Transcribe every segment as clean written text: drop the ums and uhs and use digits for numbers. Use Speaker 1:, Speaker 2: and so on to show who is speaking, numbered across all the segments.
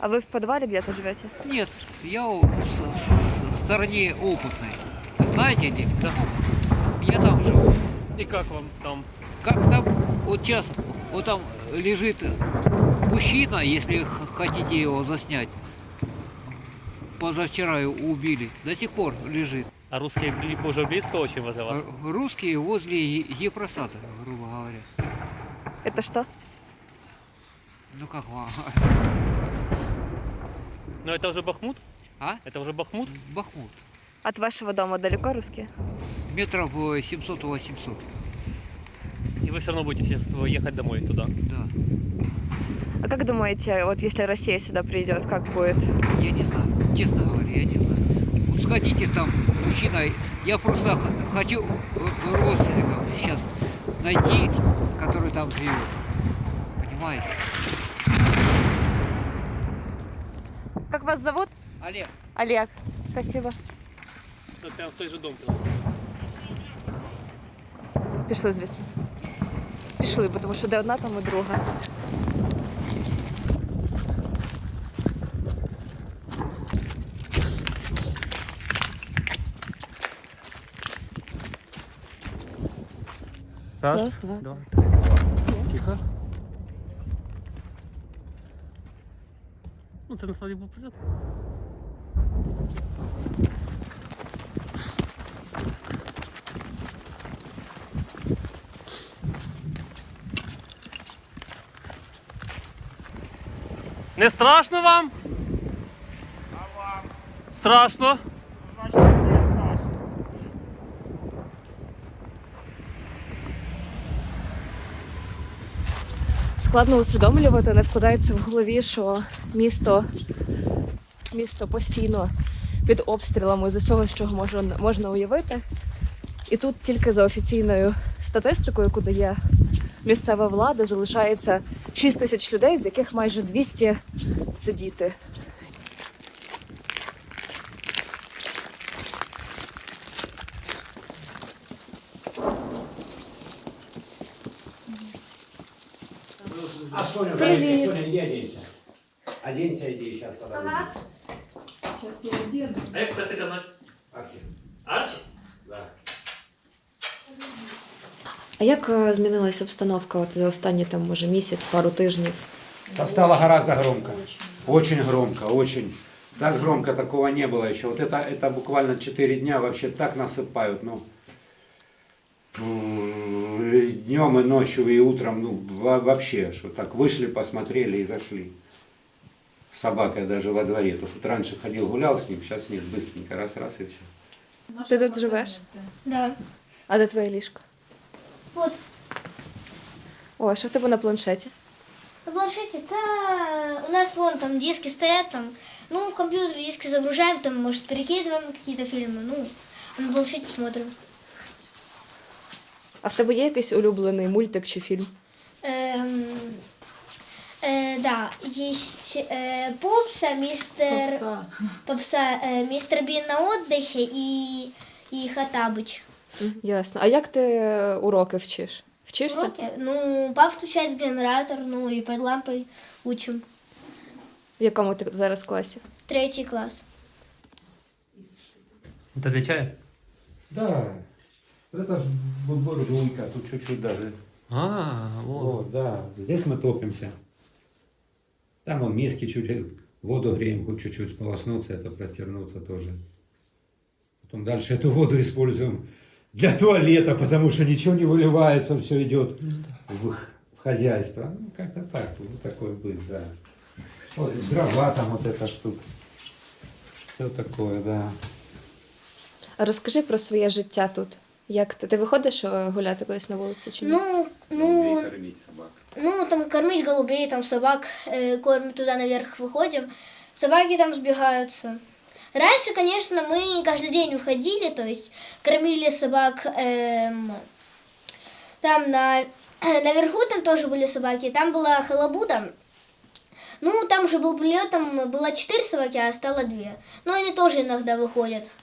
Speaker 1: А вы в подвале где-то живете?
Speaker 2: Нет, я в стороне опытной. Знаете где?
Speaker 3: Да.
Speaker 2: Я там живу.
Speaker 3: И как вам там?
Speaker 2: Как там, вот сейчас, вот там лежит мужчина, если хотите его заснять. Позавчера его убили, до сих пор лежит.
Speaker 3: А русские уже близко очень возле вас?
Speaker 2: Русские возле Епросата, грубо говоря.
Speaker 1: Это что?
Speaker 2: Ну как вам?
Speaker 3: Но это уже Бахмут?
Speaker 2: А?
Speaker 3: Это уже Бахмут?
Speaker 2: Бахмут.
Speaker 1: От вашего дома далеко русские?
Speaker 2: Метров 700-800.
Speaker 3: И вы все равно будете сейчас ехать домой туда?
Speaker 2: Да.
Speaker 1: А как думаете, вот если Россия сюда придет, как будет?
Speaker 2: Я не знаю, честно говоря, я не знаю. Вот сходите там, мужчина, я просто хочу родственников сейчас найти, который там живет. Понимаете?
Speaker 1: Как вас зовут?
Speaker 2: Олег.
Speaker 1: Олег. Спасибо.
Speaker 3: Ну, прям в той же дом.
Speaker 1: Пішли звідси. Пішли, тому що де одна, там і друга. Раз, два.
Speaker 3: Тихо. Ну, це на свадьбу придет. Не страшно вам? А вам? Страшно?
Speaker 4: Значить, не страшно.
Speaker 1: Складно усвідомлювати, не вкладається в голові, що місто постійно під обстрілами з усього, що можна уявити. І тут тільки за офіційною статистикою, яку дає місцева влада, залишається 6 тисяч людей, з яких майже 200 – це діти.
Speaker 5: А Соня,
Speaker 1: Привет.
Speaker 5: Соня, иди оденься. Оденься, иди, сейчас тогда.
Speaker 1: Зараз я одягну.
Speaker 3: А як тебе казати?
Speaker 5: Арчи.
Speaker 3: Арчі?
Speaker 5: Да.
Speaker 1: А як змінилася обстановка от за останні там, може, місяць, пару тижнів?
Speaker 5: Да стало гораздо громко. Очень громко, очень. Так громко такого не было еще. Вот это буквально 4 дня вообще так насыпают. Ну, днем и ночью, и утром, ну, вообще, что так вышли, посмотрели и зашли. С собакой даже во дворе. Тут раньше ходил, гулял с ним, сейчас нет, быстренько, раз и все.
Speaker 1: Ти тут живеш?
Speaker 6: Да.
Speaker 1: А де твоє ліжко?
Speaker 6: Вот.
Speaker 1: О, а що в тебе на планшеті?
Speaker 6: На планшете, у нас вон там диски стоят, там, ну, в компьютер диски загружаем, там, может, перекидываем какие-то фильмы, ну, а на планшете смотрим.
Speaker 1: А в тебе є якийсь улюблений мультик чи фільм?
Speaker 6: Да, есть Попса, мистер Бин на отдыхе и Хаттабыч.
Speaker 1: Ясно. А як ти уроки вчиш? Вчишся?
Speaker 6: Уроки, ну, папа включает генератор, ну, и под лампой учим.
Speaker 1: В якому ти зараз класі?
Speaker 6: 3 класс.
Speaker 3: Это для чая?
Speaker 5: Да, это же бурдунька, тут чуть-чуть даже.
Speaker 3: А, вот.
Speaker 5: Вот, да, здесь мы топимся. Там вон миски чуть воду греем, хоть чуть-чуть сполоснуться, это простернуться тоже. Потом дальше эту воду используем для туалета, потому что ничего не выливается, все идет в хозяйство. Ну, как-то так, вот такой быт, да. Вот, дрова там вот эта штука. Все такое, да.
Speaker 1: А розкажи про своє життя тут. Як ти виходиш гуляти колись на вулицю чи ні?
Speaker 6: Ну,
Speaker 5: кормить собак.
Speaker 6: ну, там кормить голубей, там собак кормить, туда наверх выходим. Собаки там сбегаются. Раньше, конечно, мы каждый день выходили, то есть кормили собак там наверху, там тоже были собаки, там была халабуда. Ну, там уже был прилет, там было 4 собаки, а стало 2. Но они тоже иногда выходят.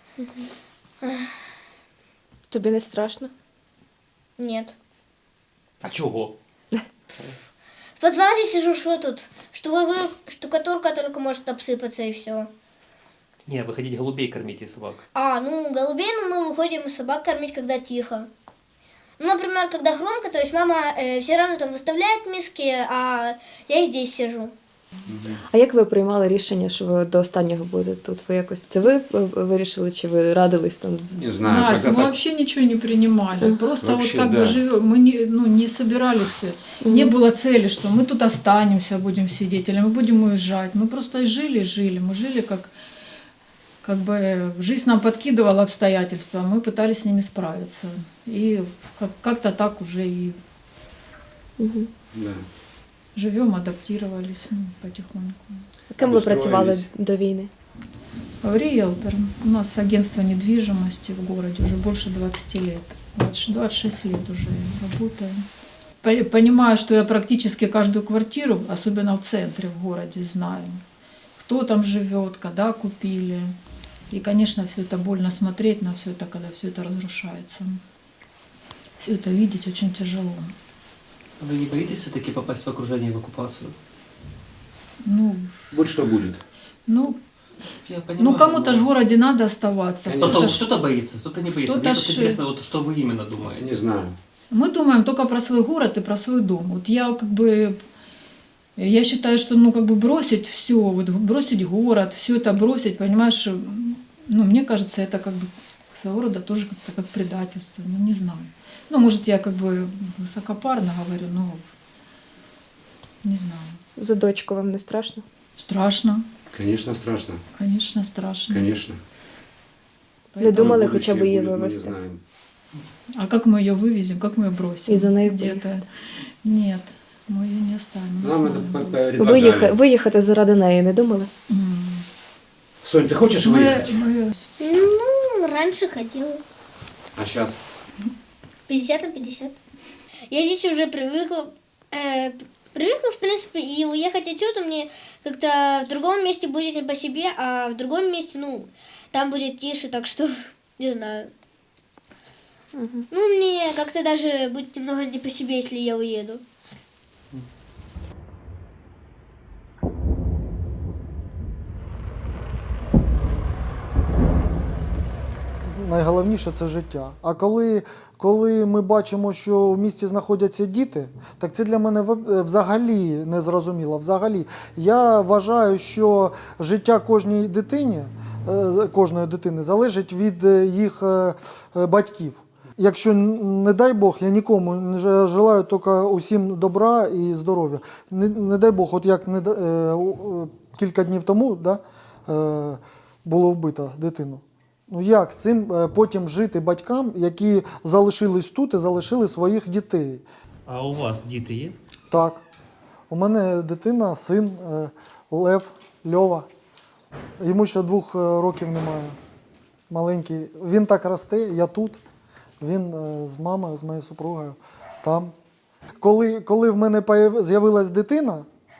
Speaker 1: Тобі не страшно?
Speaker 6: Нет.
Speaker 3: А чого?
Speaker 6: подвале сижу, что тут? Штукатурка только может обсыпаться и все.
Speaker 3: Не, выходить голубей кормите собак.
Speaker 6: Ну, голубей, мы выходим собак кормить, когда тихо. Ну, например, когда громко, то есть мама все равно там выставляет миски, а я здесь сижу.
Speaker 1: А як ви приймали рішення, що ви до останнього будете тут? Ви якось це ви вирішили, чи ви радились там?
Speaker 5: Не знаю,
Speaker 7: Настя,
Speaker 5: когда
Speaker 7: мы
Speaker 5: так...
Speaker 7: вообще ничего не принимали. Просто
Speaker 5: Вообще,
Speaker 7: вот как
Speaker 5: да.
Speaker 7: бы живем. Мы не собирались, не было цели, что мы тут останемся, будем сидеть, или мы будем уезжать. Мы просто жили. Мы жили как бы жизнь нам подкидывала обстоятельства, мы пытались с ними справиться. И как-то так уже и
Speaker 5: Да.
Speaker 7: живем, адаптировались потихоньку.
Speaker 1: Ким ви працювали
Speaker 5: Обустроїлись.
Speaker 1: до війни?
Speaker 7: Риэлтор. У нас агентство недвижимости в городе уже больше 20 лет. 26 лет уже работаю. Понимаю, что я практически каждую квартиру, особенно в центре, в городе, знаю. Кто там живет, когда купили. И, конечно, все это больно смотреть на все это, когда все это разрушается. Все это видеть очень тяжело.
Speaker 3: Вы не боитесь все-таки попасть в окружение в оккупацию?
Speaker 7: Ну,
Speaker 5: Вот что будет.
Speaker 3: Я понимаю.
Speaker 7: ну кому-то же в городе надо оставаться.
Speaker 3: Просто
Speaker 7: Кто-то ж-
Speaker 3: кто-то боится, кто-то не боится.
Speaker 7: кто-то
Speaker 3: Мне просто
Speaker 7: ж-
Speaker 3: интересно, вот что вы именно думаете.
Speaker 5: Не знаю.
Speaker 7: Мы думаем только про свой город и про свой дом. Вот я считаю, что бросить все, вот бросить город, все это бросить, понимаешь, мне кажется, это своего рода тоже как-то как предательство, не знаю. Может, я высокопарно говорю, но не знаю.
Speaker 1: За дочку вам не страшно?
Speaker 7: Страшно,
Speaker 5: Конечно, страшно.
Speaker 7: конечно, страшно.
Speaker 5: Конечно.
Speaker 1: Не думали
Speaker 5: Будущее
Speaker 1: хоча б її
Speaker 5: будет, мы не
Speaker 1: вивезти?
Speaker 5: знаем.
Speaker 7: А как мы ее вывезем, как мы ее бросим?
Speaker 1: И за ней
Speaker 7: где-то? Нет, мы ее не оставим. не
Speaker 5: Нам
Speaker 7: знаю.
Speaker 5: это предлагали.
Speaker 1: Виїхати заради неї не думали?
Speaker 5: Сонь, ты хочешь выехать?
Speaker 7: Мы
Speaker 6: Ну, раньше ходила.
Speaker 5: А сейчас?
Speaker 6: 50 на 50. Я здесь уже привыкла, в принципе, и уехать отсюда мне как-то в другом месте будет не по себе, а в другом месте, там будет тише, так что, не знаю. Мне как-то даже будет немного не по себе, если я уеду.
Speaker 8: Найголовніше це життя. А коли ми бачимо, що в місті знаходяться діти, так це для мене взагалі незрозуміло. Взагалі, я вважаю, що життя кожної дитини залежить від їх батьків. Якщо, не дай Бог, я нікому не желаю тільки усім добра і здоров'я. Не дай Бог, от як кілька днів тому було вбито дитину. Як з цим потім жити батькам, які залишились тут і залишили своїх дітей?
Speaker 4: А у вас діти є?
Speaker 8: Так. У мене дитина, син Лев, Льова. Йому ще 2 років немає. Маленький. Він так росте, я тут. Він з мамою, з моєю супругою там. Коли в мене з'явилась дитина,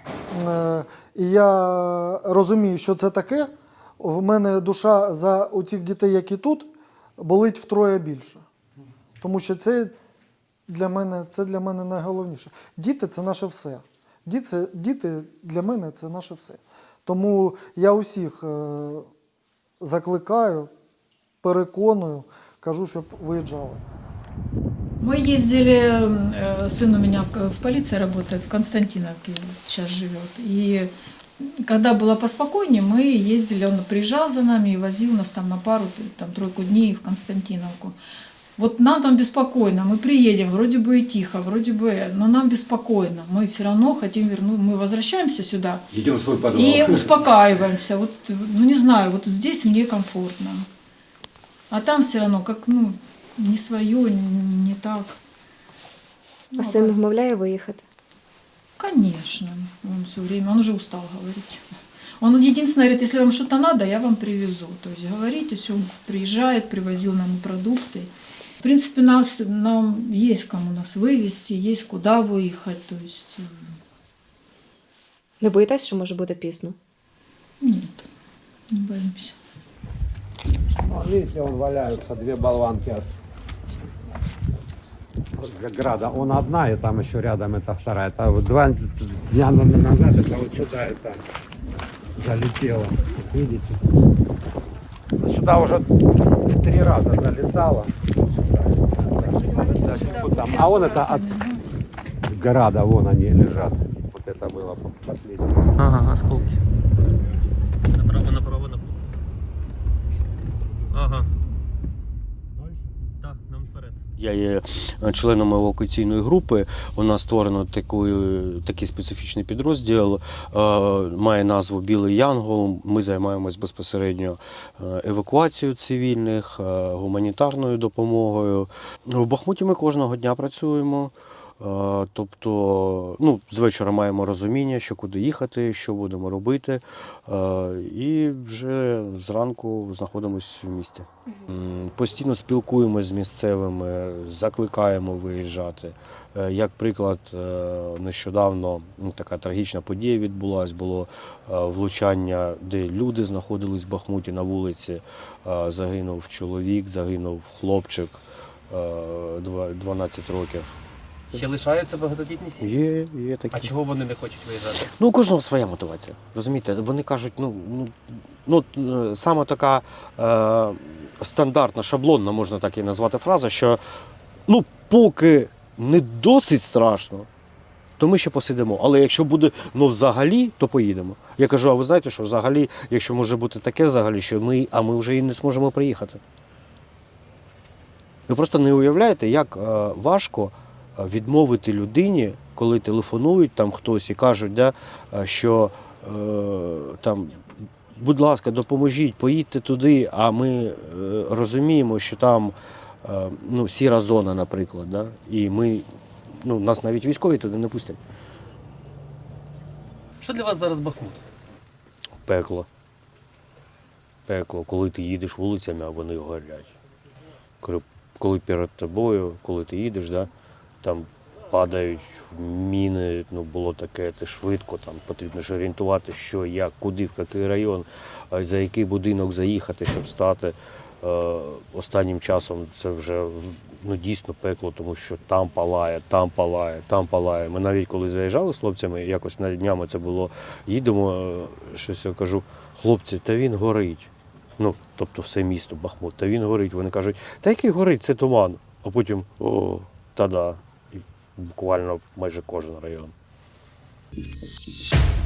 Speaker 8: і я розумію, що це таке, в мене душа за цих дітей, які тут, болить втроє більше. Тому що це для мене найголовніше. Діти – це наше все. Діти для мене – це наше все. Тому я усіх закликаю, переконую, кажу, щоб виїжджали.
Speaker 7: Мы ездили, сын у меня в полиции работает, в Константиновке сейчас живет. И когда было поспокойнее, мы ездили, он приезжал за нами и возил нас там на пару, тройку дней в Константиновку. Вот нам там беспокойно, мы приедем, вроде бы и тихо, вроде бы, но нам беспокойно. Мы все равно хотим вернуть, мы возвращаемся сюда.
Speaker 5: Идем в свой подвал.
Speaker 7: И успокаиваемся. Вот, не знаю, вот здесь мне комфортно. А там все равно как, не свое, не так.
Speaker 1: А син вмовляє виїхати?
Speaker 7: Конечно, он все время, он уже устал говорить. Он единственное говорит, если вам что-то надо, я вам привезу. То есть говорите, все, он приезжает, привозил нам продукты. В принципе, нам есть кому нас вывести, есть куда выехать. То есть
Speaker 1: Не боїтесь, що може бути пізно?
Speaker 7: нет, не боимся.
Speaker 9: Видите, вон валяются 2 болванки
Speaker 5: Града, он одна, и там еще рядом это вторая. Это вот 2 дня назад это вот сюда это залетело. Видите? Сюда уже 3 раза залетало. Вот там. А вон это от Града, вон они лежат. Вот это было последнее.
Speaker 4: Ага, осколки.
Speaker 3: Направо, направо, направо. Ага. Так, нам вперед.
Speaker 9: Я є членом евакуаційної групи. У нас створено такий специфічний підрозділ, має назву Білий Янгол. Ми займаємось безпосередньо евакуацією цивільних, гуманітарною допомогою. В Бахмуті ми кожного дня працюємо. Тобто, з вечора маємо розуміння, що куди їхати, що будемо робити, і вже зранку знаходимося в місті. Постійно спілкуємося з місцевими, закликаємо виїжджати. Як приклад, нещодавно така трагічна подія відбулася, було влучання, де люди знаходились в Бахмуті на вулиці, загинув чоловік, загинув хлопчик 12 років.
Speaker 3: Ще лишаються багатодітні сім'ї?
Speaker 9: Є такі.
Speaker 3: А чого вони не хочуть виїжджати?
Speaker 9: У кожного своя мотивація. Розумієте, вони кажуть, саме така стандартна, шаблонна, можна так і назвати фраза, що поки не досить страшно, то ми ще посидимо. Але якщо буде взагалі, то поїдемо. Я кажу, а ви знаєте, що взагалі, якщо може бути таке взагалі, що ми вже і не зможемо приїхати. Ви просто не уявляєте, як важко відмовити людині, коли телефонують там хтось і кажуть, що там, будь ласка, допоможіть, поїдьте туди, а ми розуміємо, що там сіра зона, наприклад, і нас навіть військові туди не пустять.
Speaker 3: Що для вас зараз Бахмут?
Speaker 9: Пекло. Пекло, коли ти їдеш вулицями, а вони горять. Коли перед тобою, коли ти їдеш, там падають міни, було таке, ти швидко, там потрібно ж орієнтувати, що, як, куди, в який район, за який будинок заїхати, щоб стати. Останнім часом це вже дійсно пекло, тому що там палає, там палає, там палає. Ми навіть коли заїжджали з хлопцями, якось на днями це було, їдемо, щось я кажу, хлопці, та він горить. Тобто все місто Бахмут, та він горить. Вони кажуть, та який горить, це туман. А потім, та-да, і буквально майже кожен район.